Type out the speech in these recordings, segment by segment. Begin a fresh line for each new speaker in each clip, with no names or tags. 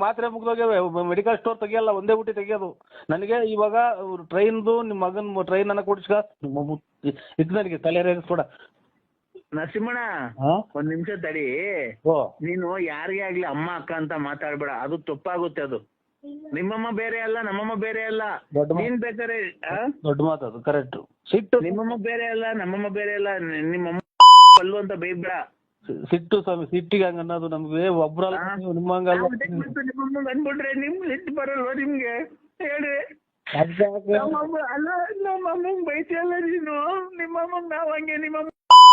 ಮಾತ್ರೆ ಮುಗ್ದೋಗ್ಯವೆ, medical store ತೆಗಿಯಲ್ಲ, ಒಂದೇ ಬುಟ್ಟಿ ತೆಗಿಯೋದು. ನನಗೆ ಇವಾಗ ಟ್ರೈನ್ದು ನಿಮ್ಮ ಮಗನ ಟ್ರೈನ್ ಅನ್ನ ಕೊಡಿಸ್ಕ ಇದು ನನಗೆ ತಲೆ ರೇಗಿಸ್ಕೊಡ.
ನರಸಿಂಹಣ್ಣ ಒಂದ್ ನಿಮಿಷ ತಡಿ. ನೀನು ಯಾರಿಗೇ ಆಗ್ಲಿ ಅಮ್ಮ ಅಕ್ಕ ಅಂತ ಮಾತಾಡ್ಬೇಡ, ಅದು ತಪ್ಪಾಗುತ್ತೆ. ಅದು ನಿಮ್ಮಮ್ಮ ಬೇರೆ ಅಲ್ಲ, ನಮ್ಮಮ್ಮ ಬೇರೆ ಅಲ್ಲ. ನೀನ್ ಬೇಕಾರೆ
ದೊಡ್ಡ ಮಾತದು, ಕರೆಕ್ಟ್. ಸಿಟ್ಟು.
ನಿಮ್ಮಮ್ಮ ಬೇರೆ ಅಲ್ಲ, ನಮ್ಮಮ್ಮ ಬೇರೆ ಅಲ್ಲ. ನಿಮ್ಮಮ್ಮ ಅಲ್ಲು ಅಂತ ಬೈಬೇಡ.
ಸಿಟ್ಟು ಸ್ವಾಮಿ, ಸಿಟ್ಟಿಗೆ ಹಂಗ ಅನ್ನೋದು ನಮ್ಗೆ ಒಬ್ರಲ್ಲ, ನಿಮ್ಮಂಗಲ್ಲ.
ನಿಮ್ಮಮ್ಮ ಅಂದ್ಬಿಟ್ರೆ ನಿಮ್ ಸಿಟ್ಟು ಬರಲ್ವಾ ನಿಮ್ಗೆ? ಹೇಳ್ರಿ. ಅಲ್ಲ ನಮ್ಮಮ್ಮ ಬೈತಿಯಲ್ಲ ನೀನು. ನಿಮ್ಮಮ್ಮ ನಾವ್ ಹಂಗೆ ನಿಮ್ಮಮ್ಮ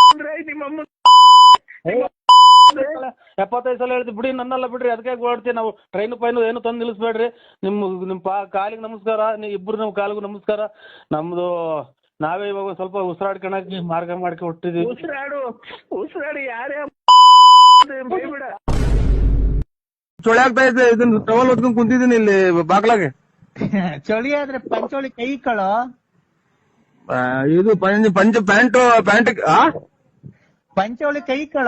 75 ಸಲ ಹೇಳ್ತೀವಿ ಬಿಡಿ, ನನ್ನಲ್ಲ ಬಿಡ್ರಿ, ಅದಕ್ಕೆ ಓಡ್ತೀವಿ ನಾವು. ಟ್ರೈನ್ ಪೈನು ಏನು ತಂದು ನಿಲ್ಲಿಸ್ಬೇಡ್ರಿ. ನಿಮ್ ಕಾಲಿಗೆ ನಮಸ್ಕಾರ, ಇಬ್ರು ನಮ್ ಕಾಲಿಗೂ ನಮಸ್ಕಾರ. ನಮ್ದು ನಾವೇ ಇವಾಗ ಸ್ವಲ್ಪ ಉಸಿರಾಡ್ಕೊಳಕ್ಕೆ ಮಾರ್ಗ ಮಾಡ್ಕೊ ಹುಟ್ಟಿದೀವಿ.
ಉಸಿರಾಡು ಯಾರೇ ಬೈಬಿಡ.
ಚಳಿ ಆಗ್ತಾ ಇದೆ, ಇದನ್ನ ಟವಲ್ ಹೊತ್ಕೊಂಡ್ ಕುಂತಿದ್ದೀನಿ ಇಲ್ಲಿ ಬಾಗ್ಲಾಗೆ.
ಚಳಿ ಆದ್ರೆ ಪಂಚೋಳಿ ಕೈ ಕಳೋ.
ಇದು ಪಂಚ ಪ್ಯಾಂಟ್
ಪಂಚೋಳಿ ಕೈ ಕಳ.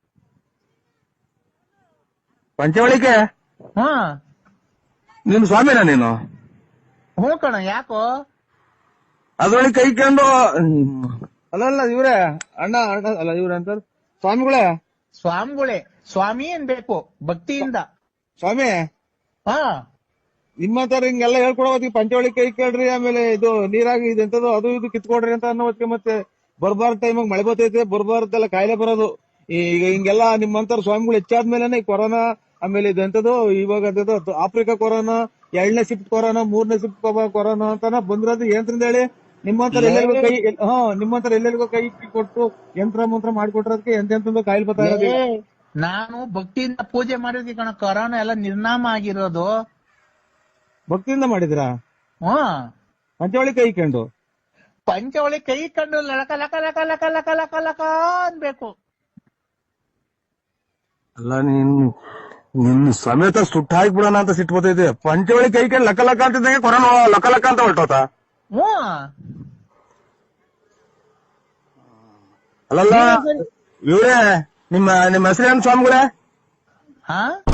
ಪಂಚವಳಿಕೆ
ಹಾ
ನೀನು ಸ್ವಾಮಿನ ನೀನು?
ಹ್ಞೂ ಕಣ, ಯಾಕೋ?
ಅದ್ರೊಳಗೆ ಕೈ ಕಂಡು ಅಲ್ಲ ಇವ್ರೆ ಅಣ್ಣ ಅಲ್ಲ ಇವ್ರೆ ಅಂತ ಸ್ವಾಮಿಗಳೇ.
ಸ್ವಾಮಿ ಅನ್ಬೇಕು ಭಕ್ತಿಯಿಂದ.
ಸ್ವಾಮಿ
ಹಾ
ನಿಮ್ಮಂತಾರ ಹಿಂಗೆಲ್ಲ ಹೇಳ್ಕೊಡೋ ಹೊತ್ತಿಗೆ ಪಂಚವಳಿ ಕೈ ಕೇಳ್ರಿ, ಆಮೇಲೆ ಇದು ನೀರಾಗಿ ಇದೆಂತದ್ದು ಅದು ಇದು ಕಿತ್ಕೊಡ್ರಿ ಅಂತ ಅನ್ನೋ ಹೊತ್ತಿಗೆ ಮತ್ತೆ ಬರ್ಬಾರ್ದ ಟೈಮಾಗ ಮಳೆ ಬರ್ತೈತೆ, ಬರ್ಬಾರ್ದೆಲ್ಲ ಕಾಯಿಲೆ ಬರೋದು. ಈಗ ಹಿಂಗೆಲ್ಲ ನಿಮ್ಮಂತಾರ ಸ್ವಾಮಿಗಳು ಹೆಚ್ಚಾದ್ಮೇಲೆ ಈ ಕೊರೋನಾ, ಆಮೇಲೆ ಇದೆಂತದ್ದು ಇವಾಗ ಆಫ್ರಿಕಾ ಕೊರೋನಾ, 2ನೇ ಶಿಫ್ಟ್ ಕೊರೋನಾ, 3ನೇ ಶಿಫ್ಟ್ ಕೊರೋನಾ ಅಂತಾನ ಬಂದಿರೋದು. ಏನ್ರಿಂದ ಹೇಳಿ? ನಿಮ್ಮಂತರ ಎಲ್ಲರಿಗೂ ಕೈ ನಿಮ್ಮಂತರ ಎಲ್ಲರಿಗೂ ಕೈ ಕೊಟ್ಟು ಯಂತ್ರ ಮಂತ್ರ ಮಾಡಿಕೊಟ್ರದಕ್ಕೆ ಎಂತೆಂತಂದು ಕಾಯಿಲೆ ಬರ್ತಾ ಇರೋದು.
ನಾನು ಭಕ್ತಿಯಿಂದ ಪೂಜೆ ಮಾಡಿದ್ವಿ ಕಣ, ಕೊರೋನಾ ಎಲ್ಲ ನಿರ್ನಾಮ ಆಗಿರೋದು.
ಭಕ್ತಿಯಿಂದ ಮಾಡಿದ್ರಾ? ಪಂಚವಳಿ ಕೈ ಕಂಡು
ಲಕ ಲಕ ಲಕ ಲಕ ಲಕ ಲಕ ಲಕ ಅನ್ಬೇಕು.
ಅಲ್ಲ ನಿನ್ ಸಮೇತ ಸುಟ್ಟ ಹಾಕ್ಬಿಡೋಣ ಅಂತ ಸಿಟ್ಟು ಬರ್ತೈತೆ. ಪಂಚವಳಿ ಕೈ ಕಂಡು ಲಕ ಲಕ ಅಂತಿದ್ದಂಗೆ ಕೊರೋನಾ ಲಕ ಲಕ ಅಂತ ಹೊರಟೋತ. ಅಲ್ಲಲ್ಲ ಇವ್ರೆ ನಿಮ್ಮ ಹೆಸರೇನು ಸ್ವಾಮಿಗಳೇ?